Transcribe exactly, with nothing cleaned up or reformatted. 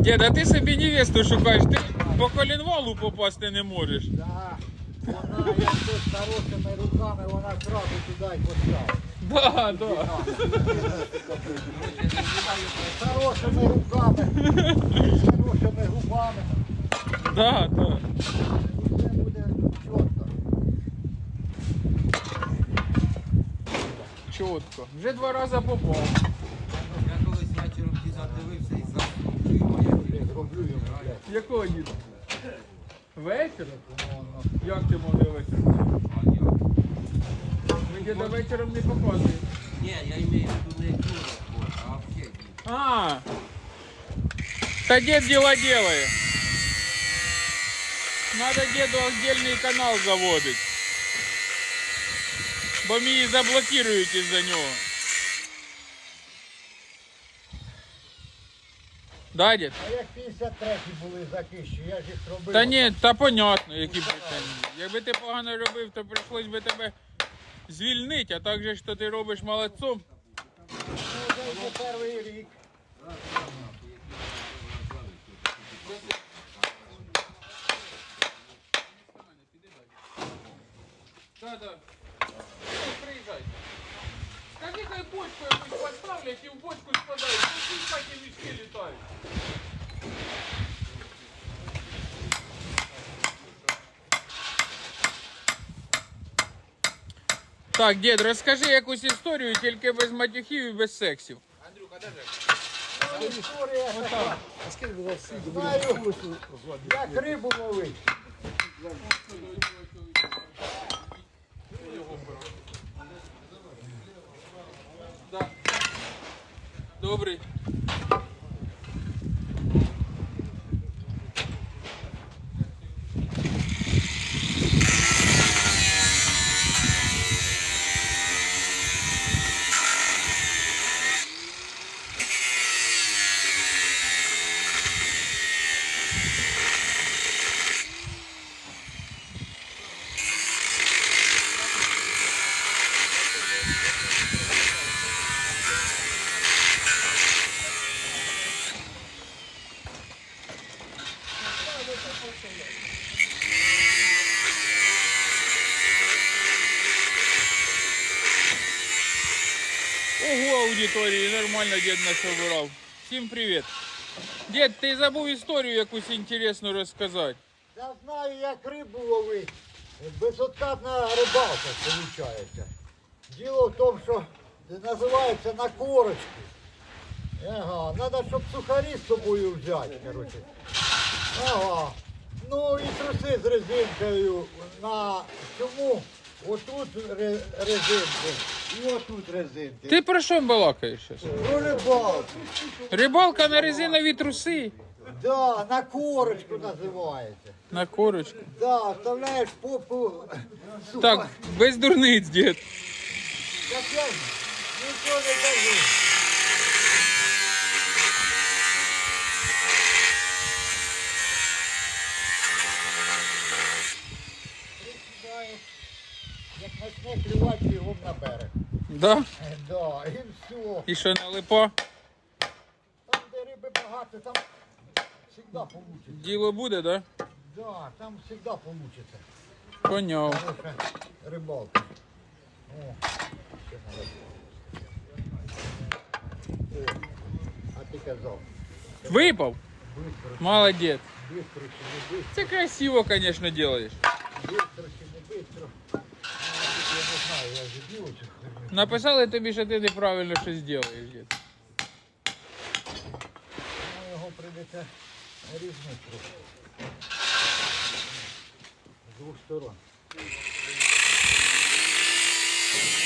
Діда, ти собі невесту шукаєш, ти по коленвалу попасти не можеш. Да. Вона, як тут з хорошими руками, вона сразу туди й поставила. Да, да. З хорошими руками, з хорошими губами. Да, да. І все буде чітко. Чітко. Вже два рази попав. Я колись вечором діда дивився і заснув. Роблю йому, блядь. Якого діда? Вечір? Ну, Як ти могли вечором? Ми діда вечором не показуємо. Ні, я имею в виду не ту роботу, а вообще дід. А, да дед дела делает. Надо деду отдельный канал заводить. Бо мені заблокирують із-за нього. Да, дід? а як п'ятдесят треті були закищі, я ж їх робив. Та ні, та понятно, які питання. Якби ти погано робив, то прийшлось би тебе звільнити, а так же, що ти робиш молодцом. Ну, вже йде перший рік. Да, да. Приїжджай. Скажи, хай бочку якусь поставлять і в бочку складають. Ну, всі такі мішки літають. Так, дід, розкажи якусь історію, тільки без матюхів і без сексів. Ну, історія така. Знаю, як рибу ловить. Да. Добрий. Ого, аудиторії, нормально дід нас обирав. Всім привіт. Дід, ти забув історію якусь інтересну розказати. Я знаю, як рибу ловить. Безоткатна рибалка, виходить. Діло в тому, що називається на корочку. Ага, треба, щоб сухарі з собою взяти, коротше. Ага. Ну і труси з резинкою на цьому. Отут ре- резинки і отут резинки. Ти про що балакаєш зараз? Про рибалку. Рибалка на резинові труси. Да, на корочку називається. На корочку. Да, вставляєш попу. Так, без дурниць, дід. Так я ж нічого не кажу. Присідаєш, як почне клювати, бігом на берег. Да? Е, Да, і все. І що, налипа? Там, де риби багато, там завжди вийде. Діло буде, да? Да, там завжди вийде. Поняв. Хороша рибалка. О, ще надо. О, а ти казав, Випав? бистро, Молодець. бистро чи не бистро, Це красиво, звісно, робиш. бистро чи не бистро. Ну, я не знаю, я вже діло цю херню. Написали тобі, що ти неправильно щось робиш, дід. Ну, його прийдеться різнити трохи. З двох сторон.